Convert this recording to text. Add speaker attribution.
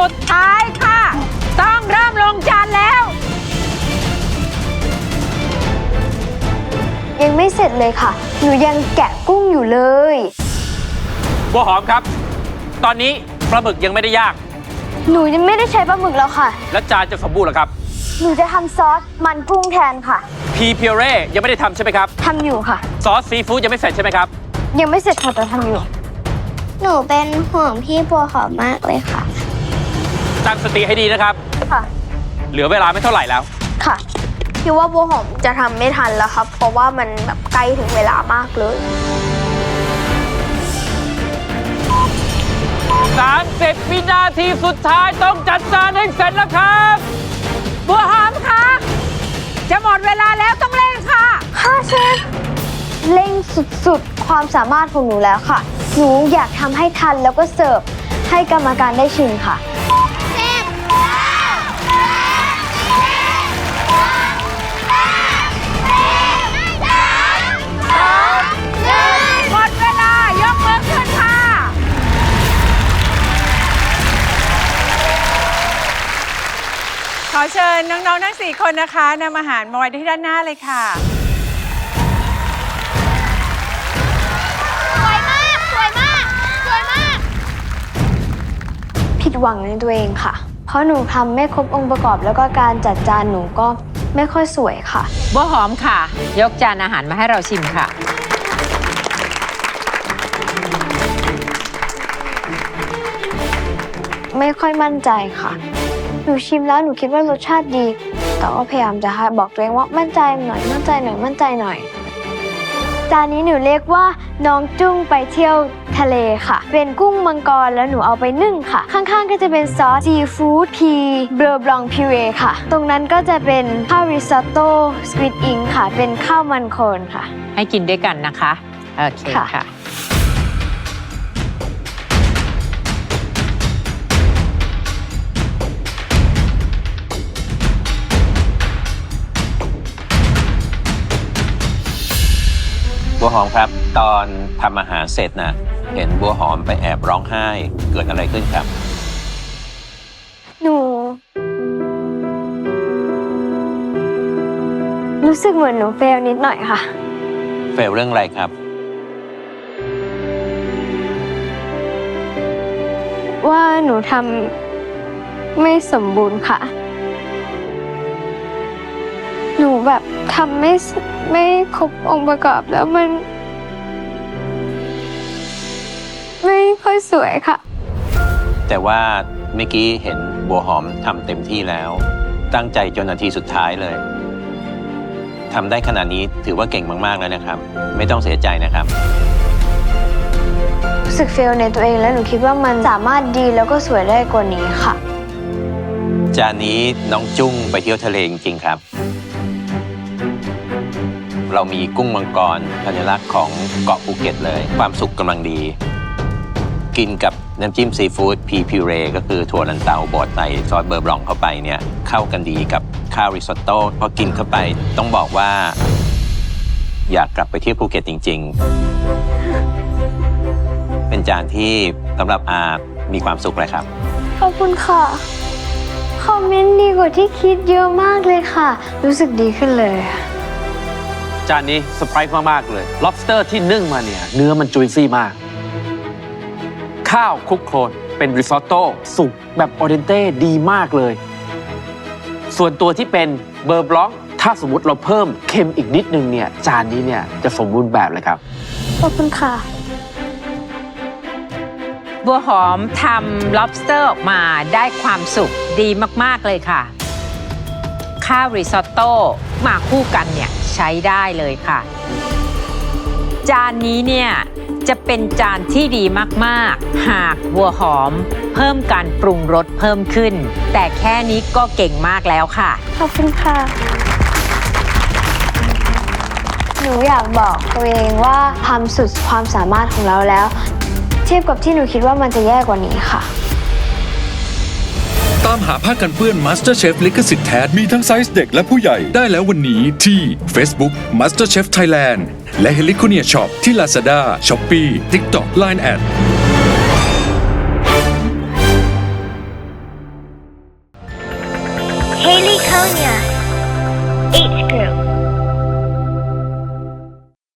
Speaker 1: สุดท้ายค่ะต้องเริ่มลงจานแล้ว
Speaker 2: ยังไม่เสร็จเลยค่ะหนูยังแกะกุ้งอยู่เลย
Speaker 3: บัวหอมครับตอนนี้ปลาหมึกยังไม่ได้ย่าง
Speaker 2: หนูยังไม่ได้ใช้ปลาหมึกแล้วค่ะ
Speaker 3: แล้วจานจะสมบูรณ์หรอครับ
Speaker 2: หนูจะทำซอสมันกุ้งแทนค่ะ
Speaker 3: พีเพียเร่ยังไม่ได้ทำใช่ไหมครับ
Speaker 2: ทำอยู่ค่ะ
Speaker 3: ซอสซีฟู้ดยังไม่เสร็จใช่ไหมครับ
Speaker 2: ยังไม่เสร็จค่ะแต่ทำอยู่หนูเป็นห่วงพี่บัวหอมมากเลยค่ะ
Speaker 3: ตั้งสติให้ดีนะครับ
Speaker 2: ค่ะ
Speaker 3: เหลือเวลาไม่เท่าไหร่แล้ว
Speaker 2: ค่ะคิดว่าบัวหอมจะทำไม่ทันแล้วครับเพราะว่ามันแบบใกล้ถึงเวลามากเลย
Speaker 3: 30 วินาทีสุดท้ายต้องจัดจานให้เสร็จแล้วครับ
Speaker 1: บัวหอมคะจะหมดเวลาแล้วต้องเร่งค่ะ
Speaker 2: ค่ะเชฟเร่งสุดๆความสามารถของหนูแล้วค่ะหนูอยากทำให้ทันแล้วก็เสิร์ฟให้กรรมการได้ชิมค่ะ
Speaker 1: หมดเวลายกมือขึ้นค่ะขอเชิญน้องๆทั้ง4คนนะคะนำอาหารมาไว้ที่ด้านหน้าเลยค่ะ
Speaker 2: สวยมากสวยมากสวยมากผิดหวังในตัวเองค่ะเพราะหนูทำไม่ครบองค์ประกอบแล้วก็การจัดจานหนูก็ไม่ค่อยสวยค่ะ
Speaker 1: บัวหอมค่ะยกจานอาหารมาให้เราชิมค่ะ
Speaker 2: ไม่ค่อยมั่นใจค่ะหนูชิมแล้วหนูคิดว่ารสชาติดีแต่ก็พยายามจะบอกตัวเองว่ามั่นใจหน่อยมั่นใจหน่อยมั่นใจหน่อยจานนี้หนูเรียกว่าน้องจุ้งไปเที่ยวทะเลค่ะเป็นกุ้งมังกรแล้วหนูเอาไปนึ่งค่ะข้างๆก็จะเป็นซอสซีฟู้ดพีเบอร์บลองพิเรค่ะตรงนั้นก็จะเป็นข้าวริซอตโต้สควิดอิงค่ะเป็นข้าวมันโคนค่ะ
Speaker 1: ให้กินด้วยกันนะคะโอเคค่ะ
Speaker 3: บัวหอมครับตอนทำอาหารเสร็จนะเห็นบัวหอมไปแอบร้องไห้เกิดอะไรขึ้นครับ
Speaker 2: หนูรู้สึกเหมือนหนูเฟลนิดหน่อยค่ะ
Speaker 3: เฟลเรื่องอะไรครับ
Speaker 2: ว่าหนูทำไม่สมบูรณ์ค่ะหนูแบบทำไม่ครบองค์ประกอบแล้วมันไม่ค่อยสวยค่ะ
Speaker 3: แต่ว่าเมื่อกี้เห็นบัวหอมทำเต็มที่แล้วตั้งใจจนนาทีสุดท้ายเลยทำได้ขนาดนี้ถือว่าเก่งมากๆแล้วนะครับไม่ต้องเสียใจนะครับ
Speaker 2: รู้สึกเฟลในตัวเองแล้วหนูคิดว่ามันสามารถดีแล้วก็สวยได้กว่านี้ค่ะ
Speaker 3: จานนี้น้องจุ้งไปเที่ยวทะเลจริงๆครับเรามีกุ้งมังกรสัญลักษณ์ของเกาะภูเก็ตเลยความสุขกำลังดีกินกับน้ำจิ้มซีฟู้ดพีพิเรก็คือถั่วลันเตาบดใส่ซอสเบอร์บลองเข้าไปเนี่ยเข้ากันดีกับข้าวริซอตโต้พอกินเข้าไปต้องบอกว่าอยากกลับไปเที่ยวภูเก็ตจริงๆเป็นจานที่สำหรับอามีความสุขเลยครับ
Speaker 2: ขอบคุณค่ะคอมเมนต์ดีกว่าที่คิดเยอะมากเลยค่ะรู้สึกดีขึ้นเลย
Speaker 4: จานนี้เซอร์ไพรส์มากๆเลย lobster ที่นึ่งมาเนี่ยเนื้อมันจุยซี่มากข้าวคลุกโคลนเป็นริซอตโต้สุกแบบออเดนเต้ดีมากเลยส่วนตัวที่เป็นเบอร์บล็อกถ้าสมมุติเราเพิ่มเค็มอีกนิดนึงเนี่ยจานนี้เนี่ยจะสมบูรณ์แบบเลยครับ
Speaker 2: ขอบคุณค่ะ
Speaker 1: บัวหอมทำ lobster ออกมาได้ความสุขดีมากๆเลยค่ะข้าวริซอตโต้มาคู่กันเนี่ยใช้ได้เลยค่ะจานนี้เนี่ยจะเป็นจานที่ดีมากๆหากบัวหอมเพิ่มการปรุงรสเพิ่มขึ้นแต่แค่นี้ก็เก่งมากแล้วค่ะ
Speaker 2: ขอบคุณค่ะหนูอยากบอกตัวเองว่าทำสุดความสามารถของเราแล้วเทียบกับที่หนูคิดว่ามันจะแย่กว่านี้ค่ะ
Speaker 5: ตามหาผ้ากันเปื้อน MasterChef ลิขสิทธิ์แท้มีทั้งไซส์เด็กและผู้ใหญ่ได้แล้ววันนี้ที่ Facebook MasterChef Thailand และ Heliconia Shop ที่ Lazada, Shopee, TikTok, Line@
Speaker 6: Haley Konya.